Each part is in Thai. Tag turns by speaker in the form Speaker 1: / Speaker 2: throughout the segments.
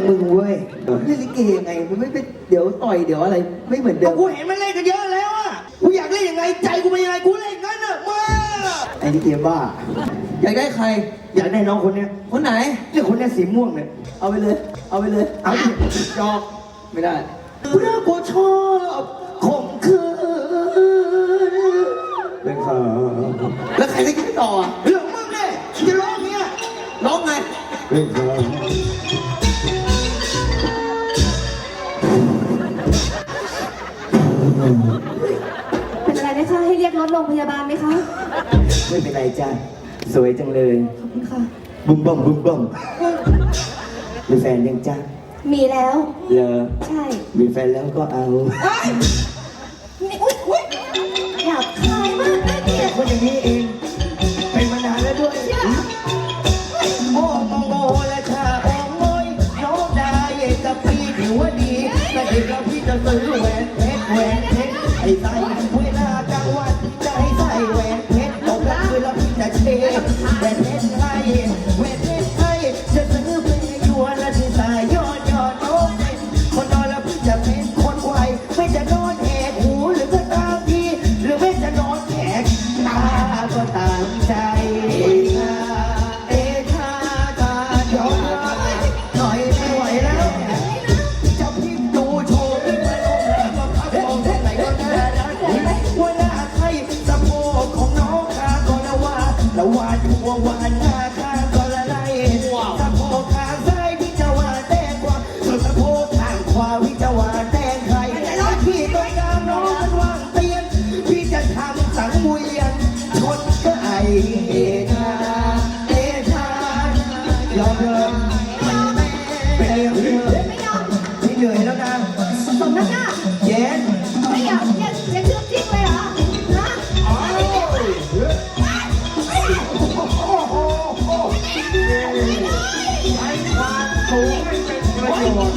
Speaker 1: มึงเว้ยเล่นลิเกยังไงมันไม่เป็นเดี๋ยวต่อยเดี๋ยวอะไรไม่เหมือนเดิม
Speaker 2: กูเห็นมันเล่นกันเยอะแล้วอ่ะกูอยากเล่นยังไงใจกูเป็นยังไงกูเล่นงั้นอ่ะมา
Speaker 1: ไอ้ลิเกบ้าอยากได้ใคร
Speaker 2: อยากได้น้องคนเนี้ย
Speaker 1: คนไหน
Speaker 2: เนี่ยคนเนี้ยสีม่วงเนี่ย
Speaker 1: เอาไปเลยเอาไปเลย
Speaker 2: เอาจอก
Speaker 1: ไม่ได้
Speaker 2: เพราะกูชอบข่มขืน
Speaker 1: เป็นข่าวแล้วใครจะคิดต่อ
Speaker 2: เรื่องมึงเนี่ยจะร้องเนี้ย
Speaker 1: ร้องไง
Speaker 2: เป็นข่าว
Speaker 3: เป็นอะไรนะคะให้เรียกรถโรงพยาบาลไหมคะ
Speaker 1: ไม่เป็นไรจ้าสวยจังเลย
Speaker 3: ขอบคุณค่ะ
Speaker 1: บุ้มบ้องบุ้มบ้องมีแฟนยังจ้า
Speaker 3: มีแล้ว
Speaker 1: เหรอ
Speaker 3: ใช่
Speaker 1: มีแฟนแล้วก็เอา
Speaker 3: นี่อุ๊ยอยากคายมากเลยเนี่ย
Speaker 2: คนอย่างนี้เองเป็นมานานแล้วด้วยโอ้โมโมและชาโอ้โมยน้องได้กับพี่ถือว่าดีแต่เด็กเราพี่จะซื้อแหวนเพชรไอ้ใส่เวลากลางวันใจใส่แหวนเพชรตกกลางคืนแล้วพี่จะเชฟแหวนเพชรให้แหวนเพชรให้จะซื้อเป็นยัวและที่สายยอดโน้ตคนนอนแล้วพี่จะเป็นคนไวไม่จะนอนแหกหูหรือก็ตามทีหรือไม่จะนอนแหกตาก็ตามใจย้อนหน่อยไม่ไหวแล้วจะพิมพ์ดูโชว์พิมพ์มาลงแล้วก็พักมองแค่ไหนก็น่ารักว่าหน้าใครสะโพกของน้องข้าก็ละว่าอยู่ว่าหน้าข้าก็ละไล่สะโพกข้างซ้ายพี่จะว่าแตงกว่าส่วนสะโพกข้างขวาพี่จะว่าแตงใครพี่ต้องการน้องมันวางเตียนพี่จะทำสังเวียนชนก็ไอ้ชายอมเลยเป็นยังไงพี่เหนื่อยแล้วนะ
Speaker 3: สมน้ำหน้า
Speaker 2: เย็น
Speaker 3: ไม่อยากเชื่อทิ้งเลยเหรอฮะ
Speaker 2: ใช้ความสูงให้เป็นประโยชน์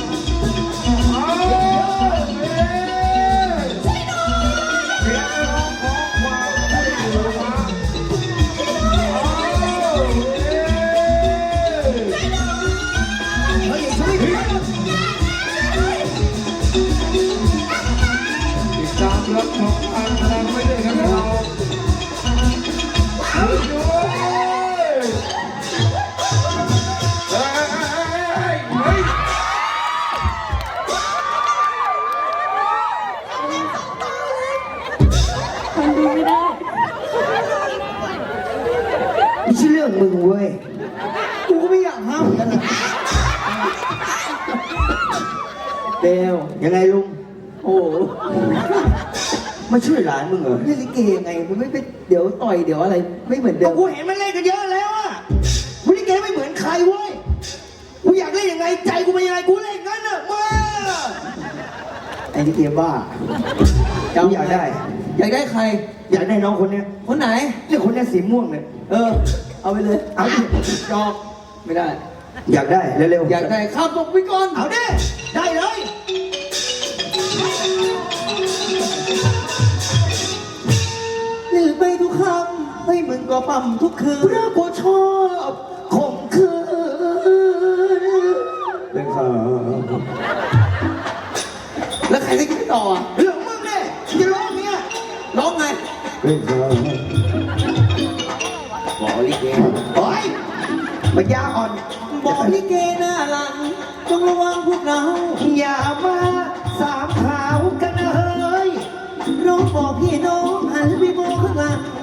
Speaker 2: รับชมอันแรงไม่ได้ครับเรา
Speaker 3: คนดูไม่ได้
Speaker 1: ไม่ใช่เรื่องมึงเว้ยกูก็ไม่อยากห้ามกันนะเบลยังไงลุงโอ้มาช่วยหลานมึงเหรอเล่นลิเกยังไงมันไม่เป็นเดี๋ยวต่อยเดี๋ยวอะไรไม่เหมือนเดิม
Speaker 2: กูเห็นมันเล่นกันเยอะแล้วอ่ะกูลิเกไม่เหมือนใครเว้ยกูอยากเล่นยังไงใจกูเป็นยังไงกูเล่นงั้นอ่ะมา
Speaker 1: ไอ้ลิเกบ้า
Speaker 2: อยากได้
Speaker 1: ใคร
Speaker 2: อยากได้น้องคนเนี้ย
Speaker 1: คนไหน
Speaker 2: เนี่ยคนเนี้ยสีม่วงเนี่ย
Speaker 1: เอาไปเลย
Speaker 2: เอา
Speaker 1: จอกไม่ได้
Speaker 2: อยากได้เร็ว
Speaker 1: ๆอยากได้ข้ามตกไปก่อน
Speaker 2: เอาดิได้เลย
Speaker 1: หรือไปทุกคำให้มึงก็ปั๊มทุกคืน
Speaker 2: เพราะกูชอบข่มขืน
Speaker 1: เป็นข่าวแล้วใครจะคิดต่อ
Speaker 2: เรื่องมึงเนี่ยจะร้องเนี้ย
Speaker 1: ร้องไง
Speaker 2: เป็นข่าว
Speaker 1: บอกลิเก
Speaker 2: โอ้ยมันยาอ่อน
Speaker 1: บอกลิเกหน้าหลังจงระวังพวกเรา
Speaker 2: อย่ามาสามขาวกันเลย
Speaker 1: น้องบอกพี่น้องหันไปมองข้างหลัง